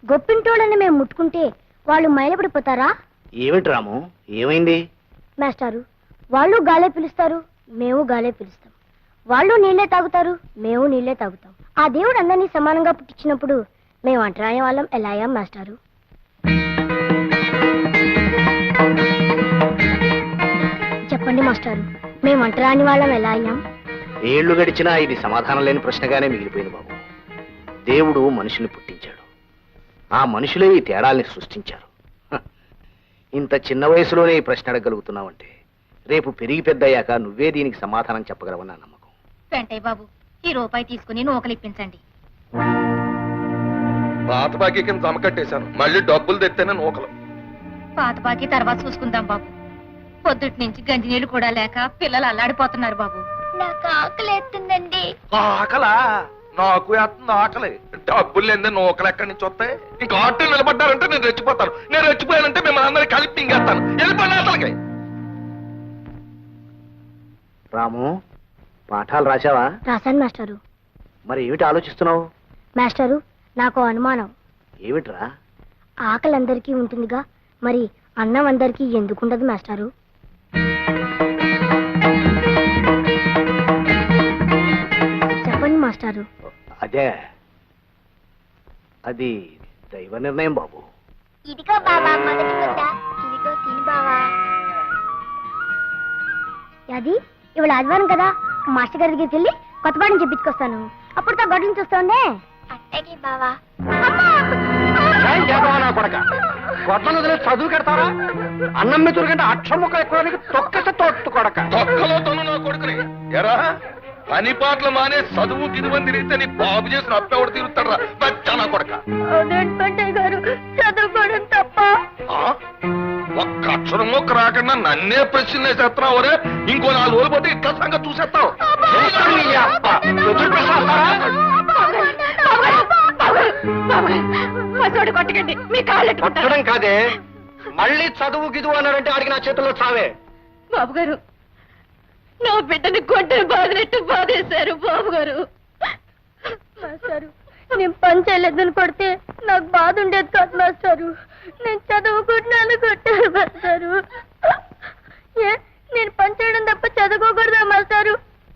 గొప్పింటోళ్ళని మేము ముట్టుకుంటే వాళ్ళు మైలపడిపోతారా? ఏమిటి రాము, ఏమైంది? మాస్టారు, వాళ్ళు గాలే పిలుస్తారు, మేము గాలే పిలుస్తాం. వాళ్ళు నీళ్లే తాగుతారు, మేము నీళ్లే తాగుతాం. ఆ దేవుడు అందరినీ సమానంగా పుట్టించినప్పుడు మేము అంటరాని వాళ్ళం ఎలా అయ్యాం మాస్టారు? చెప్పండి మాస్టారు, మేము అంటరాని వాళ్ళం ఎలా అయ్యాం? ఏళ్లు గడిచినా ఇది సమాధానం లేని ప్రశ్నగానే మిగిలిపోయింది బాబు. దేవుడు మనుషుల్ని పుట్టించాడు, ఆ మనుషులే ఈ తేడాల్ని సృష్టించారు. ఇంత చిన్న వయసులోనే ఈ ప్రశ్న అడగలుగుతున్నావంటే రేపు పెరిగి పెద్దయ్యాక నువ్వే దీనికి సమాధానం చెప్పగలవని నా నమ్మకం. వెంటయ్య బాబు, ఈ రూపాయి తీసుకుని నూకలిప్పించండి. పాత బాకీ కింద జమ కట్టేశాను, మళ్ళీ డబ్బులు తెత్తేనే నూకలు. పాత బాకీ తర్వాత చూసుకుందాం బాబు. పొద్దుటి నుంచి గంజి నీళ్లు కూడా లేక పిల్లలు అల్లాడిపోతున్నారు బాబు. నాకు ఆకలి ఎత్తుందండి. ఆకలా? నాకు వేస్తుంది ఆకలి. డబ్బులు లేదే నూకలు ఎక్కడి నుంచి వస్తాయి? ఇంకా ఆటో నిలబడ్డారంటే నేను రెచ్చిపోతాను. నేను రెచ్చిపోయానంటే మిమ్మల్ని అందరికీ కలిపి మింగేస్తాను. వెళ్ళిపోయిన అసలుకి. రాము, పాఠాలు రాశావా? రాశాను మాస్టారు. మరి ఏమిటి ఆలోచిస్తున్నావు? మాస్టారు, నాకు అనుమానం. ఏమిట్రా? ఆకలి అందరికీ ఉంటుందిగా, మరి అన్నం అందరికీ ఎందుకుండదు మాస్టారు? చెప్పండి మాస్టారు. అదే, అది దైవ నిర్ణయం బాబు. ఇదిగో బావా మొదటి ముద్ద, ఇదిగో తిని బావా. అది ఇవాళ ఆదివారం కదా, మాస్టర్ గారి దగ్గరికి వెళ్ళి కొత్త పాఠం చెప్పించుకొస్తాను. అప్పుడు తా గొడ్డలు చూస్తాండే. అట్టకి బావా. గొడ్డలు వదిలే చదువు కడతారా? అన్నం మీద కంటే అక్షం ముక్క ఎక్కువ తొక్కస తోట్టు కొడక. తొక్కలో తను నా కొడుకుని ఎరా పని పాటలు మానే చదువు గిదువని తిరిగితే నీ బాబు చేసిన అప్పెవడు తిరుగుతాడు రా బచ్చా నా కొడక. గారు చదువుకోవడం తప్ప. ఒక్క అక్షరం మొక్క రాకుండా నన్నే ప్రశ్న వేసేస్తున్నావు రే. ఇంకో 4 రోజులు పోతే ఇట్లా సంగతి చూసేస్తావు. కొట్టకండి, మీ కాళ్ళు కొట్టడం కాదే, మళ్ళీ చదువు గిదువు అన్నారంటే ఆడికి నా చేతుల్లో చావే. బాబు గారు, నా బిడ్డని కొట్టే బాధినట్టు బాధేశారు బాబు గారు. మాస్టారు, నేను పని చేయలేదని కొడితే నాకు బాధ ఉండేది కాదు మాస్టారు. నేను చదువుకుంటున్నాను కొట్టారు మాస్టారు. ఏ, నేను పని చేయడం తప్ప చదువుకోకూడదా మాస్టారు?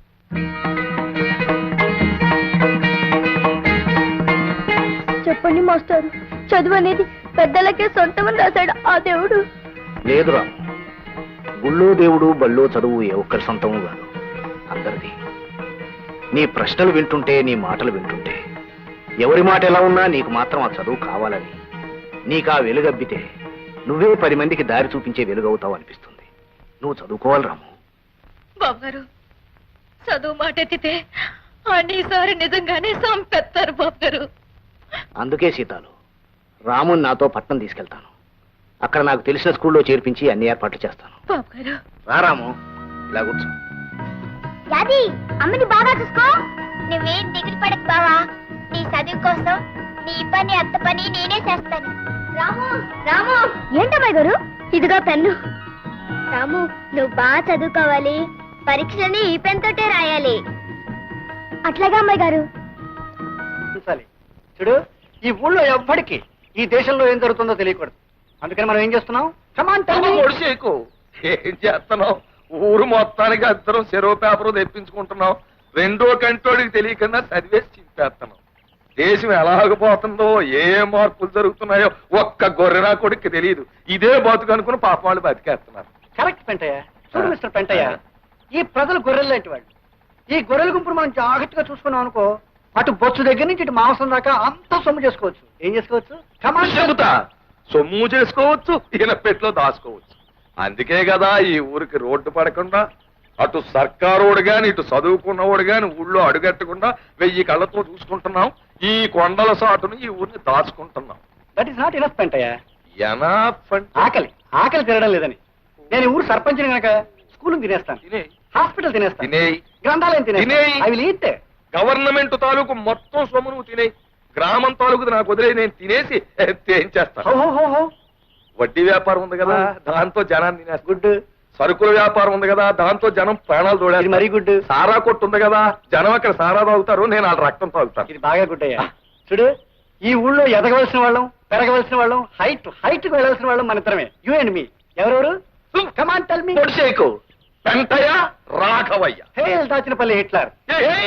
చెప్పండి మాస్టారు, చదువు అనేది పెద్దలకే సొంతమని రాశాడు ఆ దేవుడు. లేదురా, గుళ్ళో దేవుడు బళ్ళో చదువు ఏ ఒక్కరి సొంతము కాదు, అందరిది. నీ ప్రశ్నలు వింటుంటే, నీ మాటలు వింటుంటే ఎవరి మాట ఎలా ఉన్నా నీకు మాత్రం ఆ చదువు కావాలని, నీకు ఆ వెలుగబ్బితే నువ్వే 10 మందికి దారి చూపించే వెలుగవుతావు అనిపిస్తుంది. నువ్వు చదువుకోవాలి రాము. బాబు గారు, చదువు మాట ఎత్తితే అన్నిసారి నిజంగానే సంపెత్తారు బాబు గారు. అందుకే సీతాలు, రాముని నాతో పట్నం తీసుకెళ్తాను. అక్కడ నాకు తెలిసిన స్కూల్లో చేర్పించి అన్ని ఏర్పాట్లు చేస్తాను. బాబు గారు, రా రాము, ఇలా కూర్చో. యాది, అమ్మని బాగా చూసుకో. నువ్వేం దిగులు పడకు బావా, నీ చదువు కోసం నీ పని అత్త పని నేనే చేస్తాను. రాము రాము. ఏంటమ్మాయి గారు, ఇదిగో పెన్ను. రాము, నువ్వు బాగా చదువుకోవాలి, పరీక్షని ఈ పెన్ తోటే రాయాలి. అట్లాగా అమ్మాయి గారు. చూడు, ఈ ఊళ్ళో ఎవ్వడికి ఈ దేశంలో ఏం జరుగుతుందో తెలియకూడదు. అందుకని మనం ఏం చేస్తున్నాం? ఒడిసేకు ఏం చేస్తున్నావు? ఊరు మొత్తానికి అందరం చెరో పేపరు తెప్పించుకుంటున్నాం. 2వ కంటోడికి తెలియకుండా చదివేసి చింపేస్తున్నాం. దేశం ఎలాగపోతుందో, ఏ మార్పులు జరుగుతున్నాయో ఒక్క గొర్రెనా కొడుకు తెలియదు. ఇదే బతుకు అనుకుని పాప వాళ్ళు బతికేస్తున్నారు. కరెక్ట్ పెంటయ్య. చూడు మిస్టర్ పెంటయ్య, ఈ ప్రజలు గొర్రెలు లాంటి వాళ్ళు. ఈ గొర్రెల గుంపును మనం జాగ్రత్తగా చూసుకున్నాం అనుకో, అటు బొచ్చు దగ్గర నుంచి ఇటు మాంసం దాకా అంతా సొమ్ము చేసుకోవచ్చు. ఏం చేసుకోవచ్చు? చెబుతా, సొమ్ము చేసుకోవచ్చు, ఈయన పెట్లో దాచుకోవచ్చు. అందుకే కదా ఈ ఊరికి రోడ్డు పడకుండా అటు సర్కారోడు గాని ఇటు చదువుకున్నవాడు గాని ఊళ్ళో అడుగట్టకుండా 1000 కళ్ళతో చూసుకుంటున్నాం. ఈ కొండల సాటును ఈ ఊరిని దాచుకుంటున్నాం. That is not enough Pentayya. ఆకలి ఆకలి తినడం లేదని నేను ఊరు సర్పంచిని కనుక స్కూల్ తినేస్తాను, హాస్పిటల్ తినేస్తాను, గ్రంథాలయం తినేస్తాను. అవి లీతే గవర్నమెంట్ తాలూకు మొత్తం సొమ్ము నువ్వు తినే, గ్రామం తాలూకు నాకు వదిలే నేను తినేసి ఏం చేస్తాను? వడ్డీ వ్యాపారం ఉంది కదా, దాంతో జనాన్ని తినేస్తా. గుడ్. సరుకుల వ్యాపారం ఉంది కదా, దాంతో జనం ప్రాణాలు తోడేది. మరీ గుడ్. సారా కొట్టు ఉంది కదా, జనం అక్కడ సారా తాగుతారు, నేను వాళ్ళ రక్తం తాగుతాను. ఇది బాగా గుడ్ అయ్యా. చూడు, ఈ ఊళ్ళో ఎదగవలసిన వాళ్ళం, పెరగవలసిన వాళ్ళం, హైట్ కు వెళ్ళవలసిన వాళ్ళం మన ఇద్దరమే. You and me. ఎవరెవరు? Come on tell me. పొడి చేయకు. పెంటయ్య రాఘవయ్య. Hail Dachinapalli Hitler. ఏ